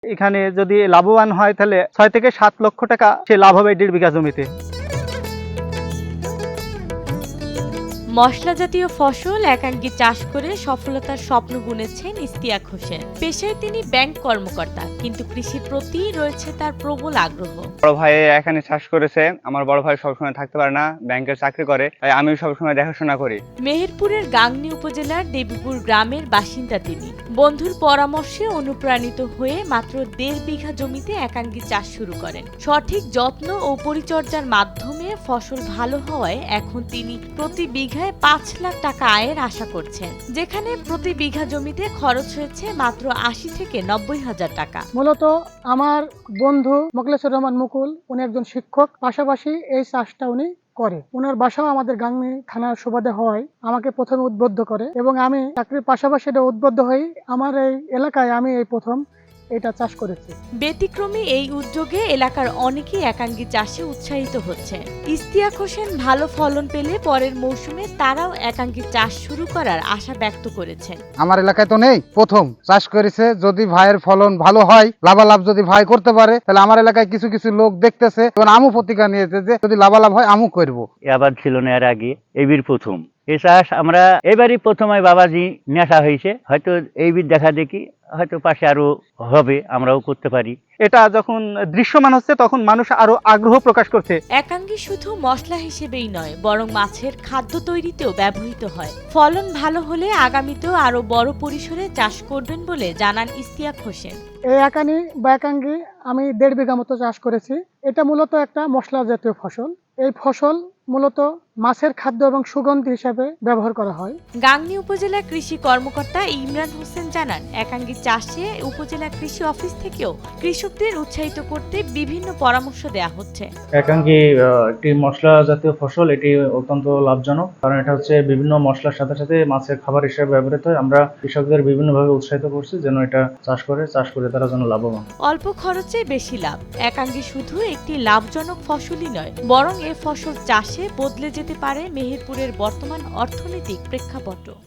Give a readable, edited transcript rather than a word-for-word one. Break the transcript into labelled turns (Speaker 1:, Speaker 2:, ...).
Speaker 1: এখানে যদি লাভবান হয় তাহলে ৬ থেকে ৭ লক্ষ টাকা সে লাভ হবে ১.৫ বিঘা জমিতে।
Speaker 2: মশলা জাতীয় ফসল একাঙ্গী চাষ করে সফলতার স্বপ্ন বুনেছেন ইশতিয়াক হোসেন। পেশায় তিনি ব্যাংক কর্মকর্তা, কিন্তু কৃষির প্রতি রয়েছে তার প্রবল আগ্রহ।
Speaker 3: বড় ভাই এখানে চাষ করেছে, আমার বড় ভাই সবসময় থাকতে পারে না, ব্যাংকের চাকরি করে, তাই আমি সবসময় দেখাশোনা করি।
Speaker 2: মেহেরপুরের গাংনী উপজেলার দেবীপুর গ্রামের বাসিন্দা তিনি। বন্ধুর পরামর্শে অনুপ্রাণিত হয়ে মাত্র ১.৫ বিঘা জমিতে একাঙ্গী চাষ শুরু করেন। সঠিক যত্ন ও পরিচর্যার মাধ্যমে ফসল ভালো হওয়ায় এখন তিনি প্রতি বিঘায় ৫ লাখ টাকা আয়ের আশা করছেন, যেখানে প্রতি বিঘা জমিতে খরচ হয়েছে মাত্র ৮০ থেকে ৯০ হাজার টাকা।
Speaker 4: মূলত আমার বন্ধু মোখলেছুর রহমান মুকুল, উনি একজন শিক্ষক, পাশাপাশি এই চাষটা উনি করে। ওনার বাসাও আমাদের গাংনী থানার সুবাদে হওয়ায় আমাকে প্রথমে উদ্বুদ্ধ করে এবং আমি চাকরির পাশাপাশি এটা উদ্বুদ্ধ হই। আমার এই এলাকায় আমি এই প্রথম এটা চাষ করেছি।
Speaker 2: ব্যতিক্রমী এই উদ্যোগে এলাকার অনেকেই একাঙ্গী চাষে উৎসাহিত হচ্ছে। ইশতিয়াক হোসেন ভালো ফলন পেলে পরের মৌসুমে তারাও একাঙ্গী চাষ শুরু করার আশা ব্যক্ত করেছেন।
Speaker 5: আমার এলাকায় তো নেই, প্রথম চাষ করেছে। যদি ভাইয়ের ফলন ভালো হয়, লাভালাভ যদি ভাই করতে পারে, তাহলে আমার এলাকায় কিছু কিছু লোক দেখতেছে এবং আমু প্রতিজ্ঞা নিয়েছে যে যদি লাভালাভ হয় আমু করবো।
Speaker 6: আবাদ ছিল না এর আগে, এইবির প্রথম এই চাষ আমরা এবারই প্রথমে বাবাজি নেশা হয়েছে, হয়তো এইবির দেখা দেখি হয়তো পাশে আরো হবে, আমরাও করতে পারি।
Speaker 1: এটা যখন দৃশ্যমান হচ্ছে তখন মানুষ আরো আগ্রহ প্রকাশ করছে।
Speaker 2: একাঙ্গী শুধু মশলা হিসেবেই নয়, বরং মাছের খাদ্য তৈরিতেও ব্যবহৃত হয়। ফলন ভালো হলে আগামীতেও আরো বড় পরিসরে চাষ করবেন বলে জানান ইশতিয়াক হোসেন।
Speaker 4: এই একানি বা একাঙ্গী আমি ১.৫ বিঘা মতো চাষ করেছি। এটা মূলত একটা মশলা জাতীয় ফসল। এই ফসল মূলত মাছের খাদ্য এবং সুগন্ধি হিসাবে ব্যবহার করা হয়।
Speaker 2: গাংনী উপজেলা কৃষি কর্মকর্তা ইমরান হোসেন জানান, একাঙ্গী চাষে উপজেলা কৃষি অফিস থেকেও কৃষকদের উৎসাহিত করতে বিভিন্ন পরামর্শ দেওয়া হচ্ছে।
Speaker 7: একাঙ্গী একটি মশলা জাতীয় ফসল, এটি অত্যন্ত লাভজনক, কারণ এটা হচ্ছে বিভিন্ন মশলার সাথে সাথে মাছের খাবার হিসেবে ব্যবহৃত হয়। আমরা কৃষকদের বিভিন্নভাবে উৎসাহিত করছি যেন এটা চাষ করে তারা যেন লাভবান।
Speaker 2: অল্প খরচে বেশি লাভ। একাঙ্গী শুধু একটি লাভজনক ফসলই নয়, বরং এ ফসল চাষে বদলে যেতে পারে মেহেরপুরের বর্তমান অর্থনৈতিক প্রেক্ষাপট।